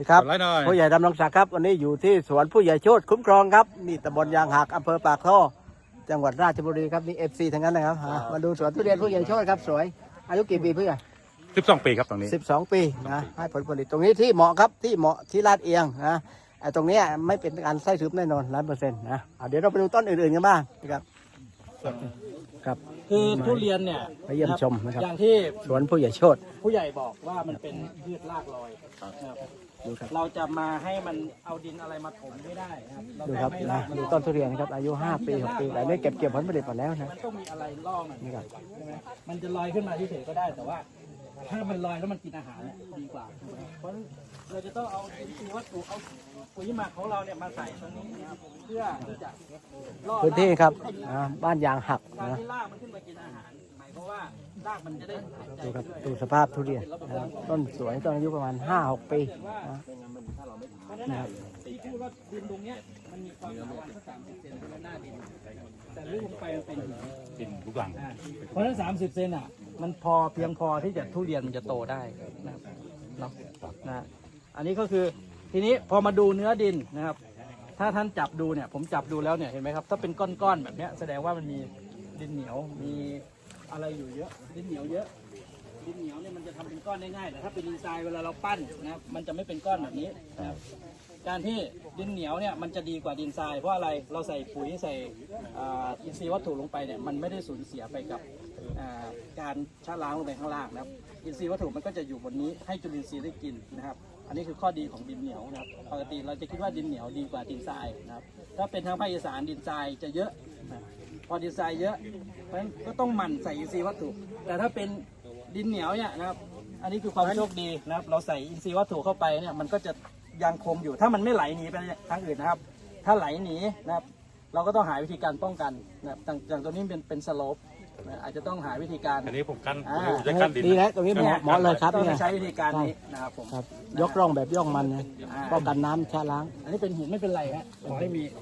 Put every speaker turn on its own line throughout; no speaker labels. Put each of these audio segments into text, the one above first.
ครับผู้ใหญ่ดำรงศักดิ์ครับวันนี้อยู่ที่สวนผู้ใหญ่โชติคุ้มครองครับนี่ตำบลยางหักอำเภอปากท่อจังหวัดราชบุรีครับนี่ FC ทั้งนั้นนะครับมาดูสวนทุเรียนผู้ใหญ่โชติครับสวยอายุกี่ปีผู้ใหญ่
12 ปีครับตรงนี้
12 ปีนะให้ผลผลิตตรงนี้ที่เหมาะครับที่เหมาะที่ลาดเอียงนะไอ้ตรงนี้ไม่เป็นการไส้ทึบแน่นอน100%นะเดี๋ยวเราไปดูต้นอื่นๆกันบ้างนะครับครับ
คือทุเรียนเนี่ย
ไปเยี่ยมชมนะครับ
อย่างที่
สวนผู้ใหญ่โชติ
ผู้ใหญ่บอกว่ามันเป็นพืชรากลอยนะครับเราจะมาให้มันเอาดินอะไรมาถมไม่ได้ครับ
ดูครับนะดูต้นทุเรียนครับอายุ5 ปี6 ปีแต่นี่เก็บผลผลิตหมดแล้วนะ
มันต้องมีอะไรล่อมัน
นี่ครับ
ใช่ไหมมันจะลอยขึ้นมาเฉยๆก็ได้แต่ว่าถ้ามันลอยแล้วมันกินอาหารเนี่ยดีกว่าเพราะเราจะต้องเอาอินทรีย์วัตถุเอาปุ๋ยหมักของเราเนี่ยมาใส่ตรงนี้นะครับเพื่อที่จะล่อ
พื้นที่ครับบ้านยางหัก
การ
นะ
ที่รากมันขึ้นมากินอาหารหมายความว่ารากมันจะได้หายใจ
ดูครับดูสภาพทุเรียนนะต้นสวยต้นอายุประมาณ 5-6 ปีนะนะครับ
ที่พูดว่าดินตรงเนี้ยมันมีความหนาวันสัก30 เซนเป็นหน้าดินแต่ลึกลงไปมันเป็นหิน
ดินลูกหลัง
เพราะฉะนั้น30 เซนอ่ะมันเพียงพอที่จะทุเรียนมันจะโตได้นะครับเนาะนะอันนี้ก็คือทีนี้พอมาดูเนื้อดินนะครับถ้าท่านจับดูเนี่ยผมจับดูแล้วเนี่ยเห็นไหมครับถ้าเป็นก้อนๆแบบเนี้ยแสดงว่ามันมีดินเหนียวมีอะไรอยู่เยอะดินเหนียวเยอะดินเหนียวเนี่ยมันจะทำเป็นก้อนได้ง่ายแต่ถ้าเป็นดินทรายเวลาเราปั้นนะครับมันจะไม่เป็นก้อนแบบนี้นะครับการที่ดินเหนียวเนี่ยมันจะดีกว่าดินทรายเพราะอะไรเราใส่ปุ๋ยใส่อินทรีย์วัตถุลงไปเนี่ยมันไม่ได้สูญเสียไปกับการชะล้างลงไปข้างล่างนะครับอินทรีย์วัตถุมันก็จะอยู่บนนี้ให้จุลินทรีย์ได้กินนะครับอันนี้คือข้อดีของดินเหนียวนะครับปกติเราจะคิดว่าดินเหนียวดีกว่าดินทรายนะครับถ้าเป็นทางภาคอีสานดินทรายจะเยอะนะพอดินทรายเยอะเพราะฉะนั้นก็ต้องหมั่นใส่อินทรีย์วัตถุแต่ถ้าเป็นดินเหนียวเนี่ยนะครับอันนี้คือความโชคดีนะครับเราใส่อินทรีย์วัตถุเข้าไปเนี่ยมันก็จะยังคงอยู่ถ้ามันไม่ไหลหนีไปทางอื่นนะครับถ้าไหลหนีนะครับเราก็ต้องหาวิธีการป้องกันนะครับอย่างตัวนี้เป็นสโลปอาจจะต้องหาวิธีการ
อันนี้ผมจะกั้นดิน
ดีแล้วตรงนี้เหมาะเลยครับ
ต้อง
เนี่ย
ใช้วิธีการนี้นะครับผม
ครับยกร่องแบบย่องมันนะป้องกันน้ำชะล้าง
อันนี้เป็นหินไม่เป็นไรฮะขอให้มี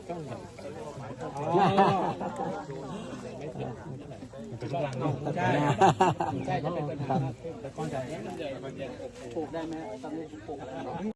ใช่ใช่จะเป็นปัญหาปลูกได้ไหมตอนนี้ปลูก